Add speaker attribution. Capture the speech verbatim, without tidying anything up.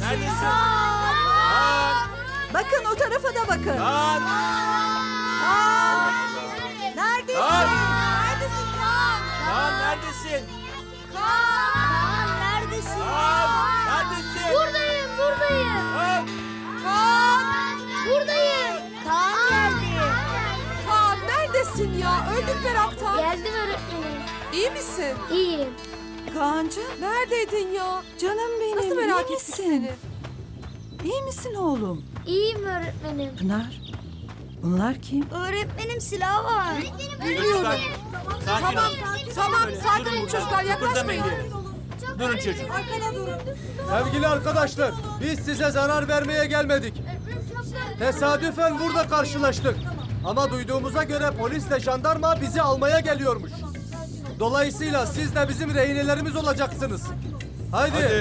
Speaker 1: Neredesin? Kaan!
Speaker 2: Bakın o tarafa da bakın.
Speaker 1: Kaan!
Speaker 2: Kaan! Neredesin?
Speaker 1: Kaan!
Speaker 2: Neredesin Kaan?
Speaker 1: Kaan neredesin?
Speaker 2: Kaan! Neredesin?
Speaker 1: Kaan! Neredesin?
Speaker 3: Buradayım, buradayım.
Speaker 1: Kaan!
Speaker 2: Kaan!
Speaker 3: Buradayım. Kaan geldi.
Speaker 2: Kaan neredesin ya? Öldük meraktan.
Speaker 3: Geldim öğretmenim.
Speaker 2: İyi misin?
Speaker 3: İyiyim.
Speaker 2: Kaan'cığım neredeydin ya?
Speaker 4: Canım benim,
Speaker 2: Nasıl merak
Speaker 4: iyi
Speaker 2: ettik
Speaker 4: misin?
Speaker 2: seni?
Speaker 4: İyi misin oğlum?
Speaker 3: İyiyim öğretmenim.
Speaker 4: Pınar, bunlar kim?
Speaker 3: Öğretmenim silah var.
Speaker 1: Çocuklar, sakin
Speaker 2: Tamam,
Speaker 1: olun.
Speaker 2: tamam.
Speaker 1: Böyle
Speaker 2: Sakin
Speaker 1: durun
Speaker 2: olun
Speaker 1: burada.
Speaker 2: çocuklar. Yaklaşmayın.
Speaker 1: Kıpırdamayın diye. Durun çocuk.
Speaker 2: Arkada durun.
Speaker 5: Sevgili arkadaşlar, biz size zarar vermeye gelmedik. Tesadüfen burada karşılaştık. Ama duyduğumuza göre polisle jandarma bizi almaya geliyormuş. Dolayısıyla siz de bizim rehinelerimiz olacaksınız. Haydi.